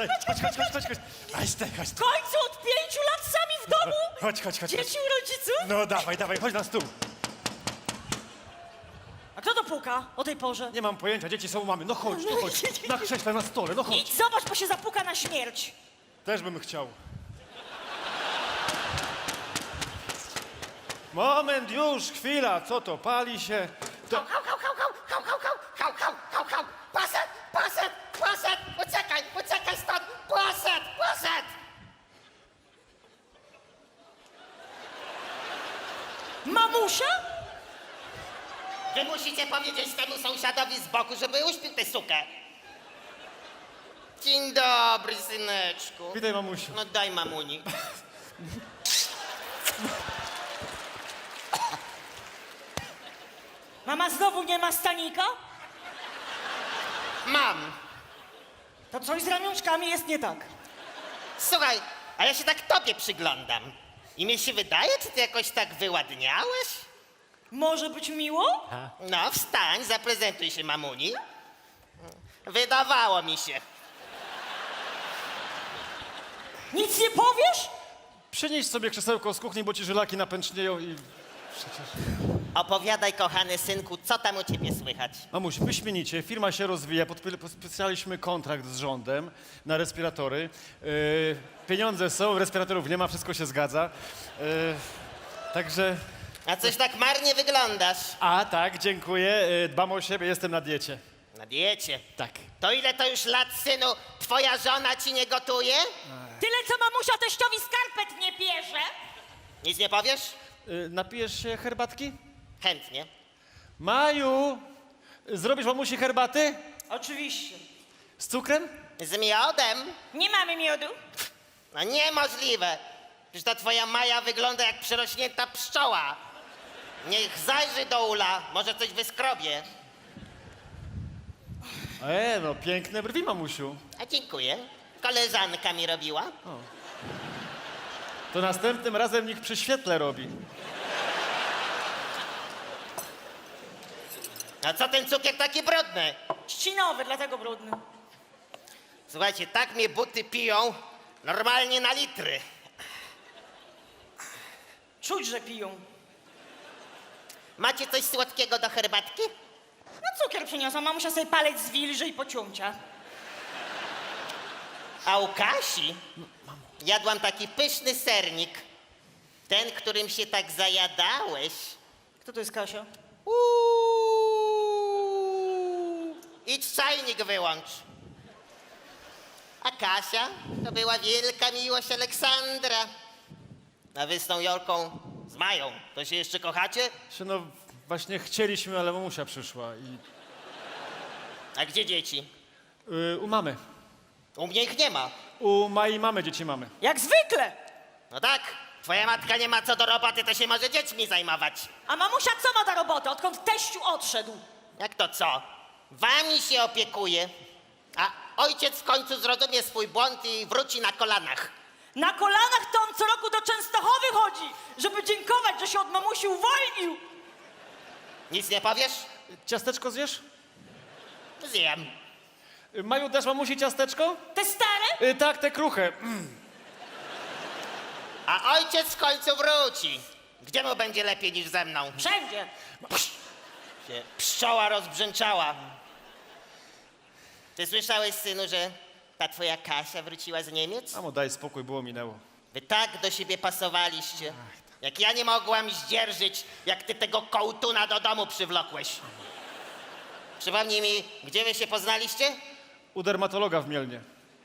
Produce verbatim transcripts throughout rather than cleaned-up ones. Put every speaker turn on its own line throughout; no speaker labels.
Chodź, chodź, chodź, chodź, chodź, chodź. Chodź, ty, chodź.
W końcu od pięciu lat sami w domu?
Chodź, chodź, chodź.
Dzieci u rodziców?
No dawaj, dawaj, chodź na stół.
A kto to puka o tej porze?
Nie mam pojęcia, dzieci są u mamy. No chodź, no chodź. Na krześle, na stole, no chodź.
Idź, zobacz, bo się zapuka na śmierć.
Też bym chciał. Moment, już, chwila, co to, pali się? To...
Hał, hał, hał, hał, hał, hał, hał, hał, hał, hał, hał. Poszedł, poszedł, poszedł, uciekaj, uciekaj stąd, poszedł, poszedł.
Mamusia?
Wy musicie powiedzieć temu sąsiadowi z boku, żeby uśpił tę sukę. Dzień dobry, syneczku.
Witaj, mamusiu.
No daj mamuni.
Mama znowu nie ma stanika?
Mam.
To coś z ramionczkami jest nie tak.
Słuchaj, a ja się tak tobie przyglądam. I mi się wydaje, czy ty jakoś tak wyładniałeś?
Może być miło?
No, wstań, zaprezentuj się mamuni. Wydawało mi się.
Nic nie powiesz?
Przynieś sobie krzesełko z kuchni, bo ci żylaki napęcznieją i... Przecież...
Opowiadaj, kochany synku, co tam u ciebie słychać?
Mamuś, wyśmienicie, firma się rozwija, podpi- podpisaliśmy kontrakt z rządem na respiratory. Yy, pieniądze są, respiratorów nie ma, wszystko się zgadza. Yy, także...
A coś tak marnie wyglądasz.
A, tak, dziękuję, yy, dbam o siebie, jestem na diecie.
Na diecie.
Tak.
To ile to już lat, synu, twoja żona ci nie gotuje?
Tyle, co mamusia teściowi skarpet nie bierze.
Nic nie powiesz?
Yy, napijesz się herbatki?
Chętnie.
Maju, zrobisz mamusi herbaty?
Oczywiście.
Z cukrem?
Z miodem?
Nie mamy miodu.
No niemożliwe. Przecież ta twoja Maja wygląda jak przerośnięta pszczoła. Niech zajrzy do ula, może coś wyskrobie.
E, no piękne brwi, mamusiu.
A dziękuję. Koleżanka mi robiła.
To następnym razem niech przy świetle robi.
A co ten cukier taki brudny?
Trzcinowy, dlatego brudny.
Słuchajcie, tak mnie buty piją normalnie na litry.
Czuć, że piją.
Macie coś słodkiego do herbatki?
No cukier przyniosła, mamusia sobie palec zwilży i pociącia.
A u Kasi jadłam taki pyszny sernik. Ten, którym się tak zajadałeś.
Kto to jest Kasia?
Uuu. Idź czajnik wyłącz. A Kasia to była wielka miłość Aleksandra. A wy z tą Jolką, z Mają, to się jeszcze kochacie?
Się, no właśnie chcieliśmy, ale mamusia przyszła i...
A gdzie dzieci?
Yy, u mamy.
U mnie ich nie ma.
U Mai mamy dzieci mamy.
Jak zwykle.
No tak, twoja matka nie ma co do roboty, to się może dziećmi zajmować.
A mamusia co ma do roboty, odkąd teściu odszedł?
Jak to co? Wami się opiekuje, a ojciec w końcu zrozumie swój błąd i wróci na kolanach.
Na kolanach to on co roku do Częstochowy chodzi, żeby dziękować, że się od mamusi uwolnił.
Nic nie powiesz?
Ciasteczko zjesz?
Zjem.
Yy, Maju, dasz mamusi ciasteczko?
Te stare?
Yy, tak, te kruche. Mm.
A ojciec w końcu wróci. Gdzie mu będzie lepiej niż ze mną?
Wszędzie.
Się pszczoła rozbrzęczała. Ty słyszałeś, synu, że ta twoja Kasia wróciła z Niemiec?
Mamo, daj spokój, było, minęło.
Wy tak do siebie pasowaliście. Jak ja nie mogłam zdzierżyć, jak ty tego kołtuna do domu przywlokłeś. Przypomnij mi, gdzie wy się poznaliście?
U dermatologa w Mielnie.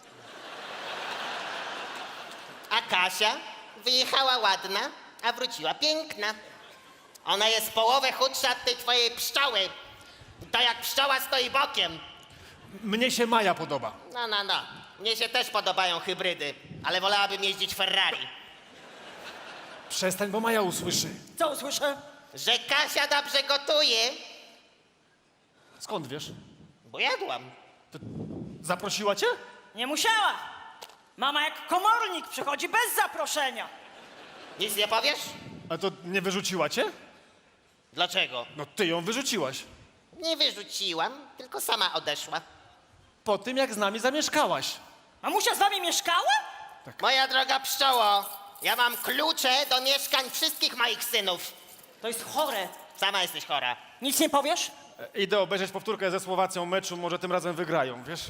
A Kasia wyjechała ładna, a wróciła piękna. Ona jest połowę chudsza od tej twojej pszczoły. To jak pszczoła stoi bokiem.
Mnie się Maja podoba.
No, no, no. Mnie się też podobają hybrydy, ale wolałabym jeździć Ferrari.
Przestań, bo Maja usłyszy.
Co usłyszę?
Że Kasia dobrze gotuje,
Skąd wiesz?
bo jadłam.
Zaprosiła cię?
Nie musiała. Mama jak komornik przychodzi bez zaproszenia.
Nic nie powiesz?
A to nie wyrzuciła cię?
Dlaczego?
No ty ją wyrzuciłaś.
Nie wyrzuciłam, tylko sama odeszła.
Po tym, jak z nami zamieszkałaś.
Mamusia z wami mieszkała?
Moja droga pszczoło, ja mam klucze do mieszkań wszystkich moich synów.
To jest chore.
Sama jesteś chora.
Nic nie powiesz?
E, Idę obejrzeć powtórkę ze Słowacją meczu, może tym razem wygrają, wiesz?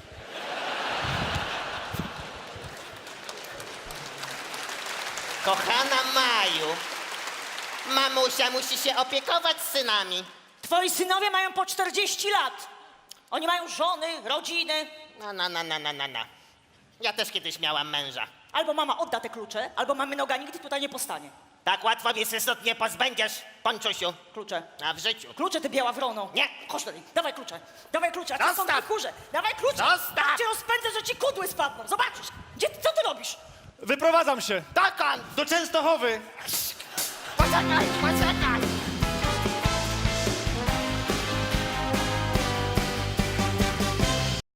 Kochana Maju, mamusia musi się opiekować synami.
Twoi synowie mają po czterdzieści lat. Oni mają żony, rodziny.
No, no, no, no, no, no, no. Ja też kiedyś miałam męża.
Albo mama odda te klucze, albo mamy noga nigdy tutaj nie postanie.
Tak łatwo mnie się stąd nie pozbędziesz, Ponczusiu.
Klucze.
A w życiu.
Klucze, ty biała wrono.
Nie.
Chodź tutaj, dawaj klucze. Dawaj klucze, a ty są
Zostaw.
te kurze. Dawaj klucze.
Zostaw.
Tak cię rozpędzę, że ci kudły spadną. Zobaczysz. Gdzie, co ty robisz?
Wyprowadzam się!
Dokąd?
Do Częstochowy!
Poczekaj, poczekaj.